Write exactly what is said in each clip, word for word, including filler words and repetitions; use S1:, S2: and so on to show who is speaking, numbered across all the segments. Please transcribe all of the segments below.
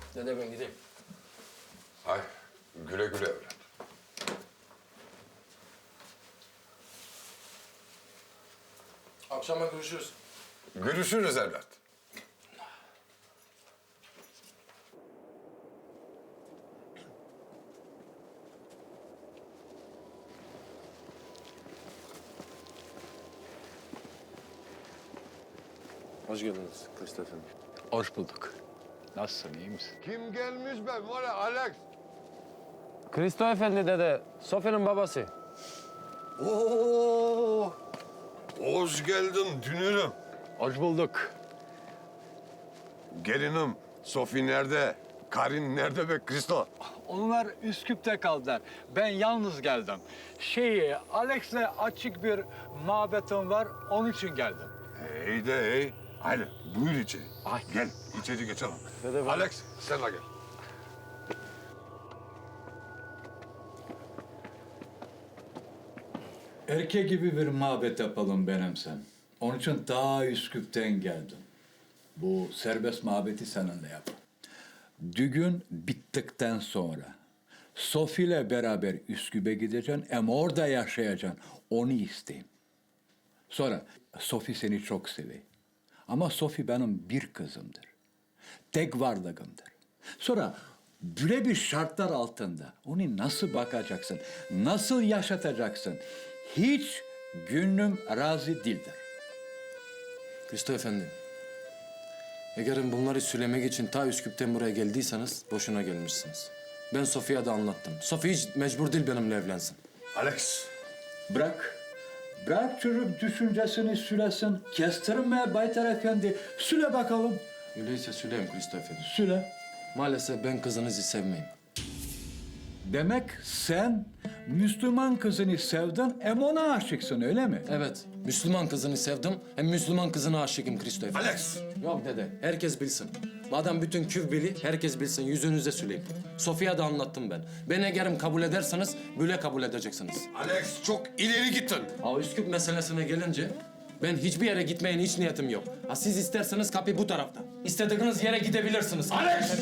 S1: Dede ben gideyim.
S2: Hay güle güle evlat.
S1: Akşama görüşürüz.
S2: Görüşürüz evlat.
S1: Hoş geldiniz Christoph Efendi.
S3: Hoş bulduk. Nasılsın, iyi misin?
S2: Kim gelmiş be? Var ya Alex.
S1: Christoph Efendi dede, Sofia'nın babası.
S2: Oo! Hoş geldin dünürüm.
S3: Hoş bulduk.
S2: Gelinim, Sofi nerede? Karin nerede be Kristo?
S3: Onlar Üsküp'te kaldılar. Ben yalnız geldim. Şey, Alex'le açık bir muhabbetim var, onun için geldim.
S2: İyi de iyi. Hadi buyur içeri.
S3: Ay.
S2: Gel içeri geçelim.
S1: Dede ben...
S2: Alex sen de gel.
S4: Erkek gibi bir muhabbet yapalım benim sen. Onun için daha Üsküp'ten geldim. Bu serbest muhabbeti seninle yap. Düğün bittikten sonra Sofi ile beraber Üsküp'e gideceksin ama orada yaşayacaksın. Onu isteyeyim. Sonra Sofi seni çok seviyor. Ama Sofi benim bir kızımdır. Tek varlığımdır. Sonra böyle bir şartlar altında onu nasıl bakacaksın, nasıl yaşatacaksın? Hiç gönlüm razı değildir.
S1: Christoph Efendi. Eğer bunları söylemek için ta Üsküp'ten buraya geldiyseniz boşuna gelmişsiniz. Ben Sofia'ya da anlattım. Sofi hiç mecbur değil benimle evlensin.
S2: Alex.
S4: Bırak, bırak çocuk düşüncesini sülesin. Kestirme Baytar Efendi. Süle bakalım,
S1: Öyleyse söyleyeyim Christoph Efendi.
S4: süle.
S1: Maalesef ben kızınızı sevmeyim.
S4: Demek sen Müslüman kızını sevdin, hem ona aşıksın öyle mi?
S1: Evet, Müslüman kızını sevdim. Hem Müslüman kızına aşıkım Christoph Efendi.
S2: Alex.
S1: Yok dede, herkes bilsin. Madem bütün küv bili, herkes bilsin. Yüzünüze söyleyeyim. Sofya'ya da anlattım ben. Ben eğerim kabul ederseniz, böyle kabul edeceksiniz.
S2: Alex çok ileri gittin.
S1: Ha Üsküp meselesine gelince, ben hiçbir yere gitmeyen hiç niyetim yok. Ha siz isterseniz kapı bu tarafta. İstediğiniz yere gidebilirsiniz.
S2: Alex!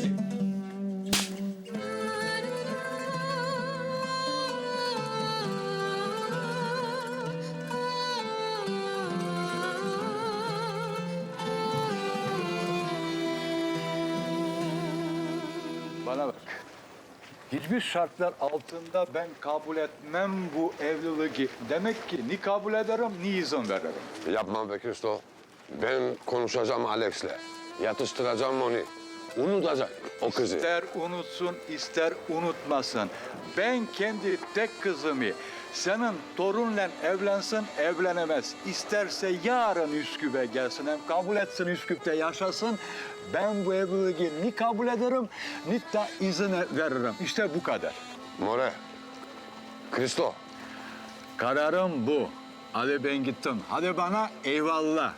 S4: Bana bak. Hiçbir şartlar altında ben kabul etmem bu evliliği. Demek ki ni kabul ederim ni izin veririm.
S2: Yapma be Kristo. Ben konuşacağım Alex'le. Yatıştıracağım onu. Unutacak o kızı.
S4: İster unutsun, ister unutmasın. Ben kendi tek kızımı senin torunla evlensin, evlenemez. İsterse yarın Üsküp'e gelsin, hem kabul etsin Üsküp'te yaşasın. Ben bu evliliği ni kabul ederim, ni de izin veririm. İşte bu kadar.
S2: More. Kristo.
S4: Kararım bu. Hadi ben gittim. Hadi bana eyvallah.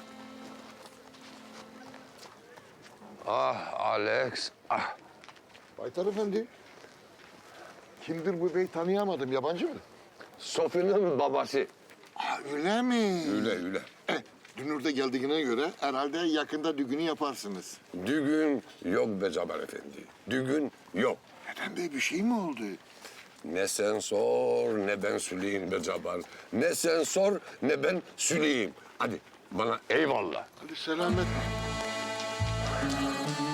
S2: Ah Alex. Ah.
S5: Baytar Efendi. Kimdir bu bey tanıyamadım. Yabancı mı?
S2: Sofi'nin babası.
S5: Ha, öyle mi?
S2: Öyle öyle.
S5: Eh, Dünür de geldiğine göre herhalde yakında düğünü yaparsınız.
S2: Düğün yok be Cabbar Efendi. Düğün yok.
S5: Neden bey bir şey mi oldu?
S2: Ne sen sor ne ben söyleyeyim be Cabbar. Ne sen sor ne ben söyleyeyim. Hadi bana eyvallah.
S5: Hadi selamet.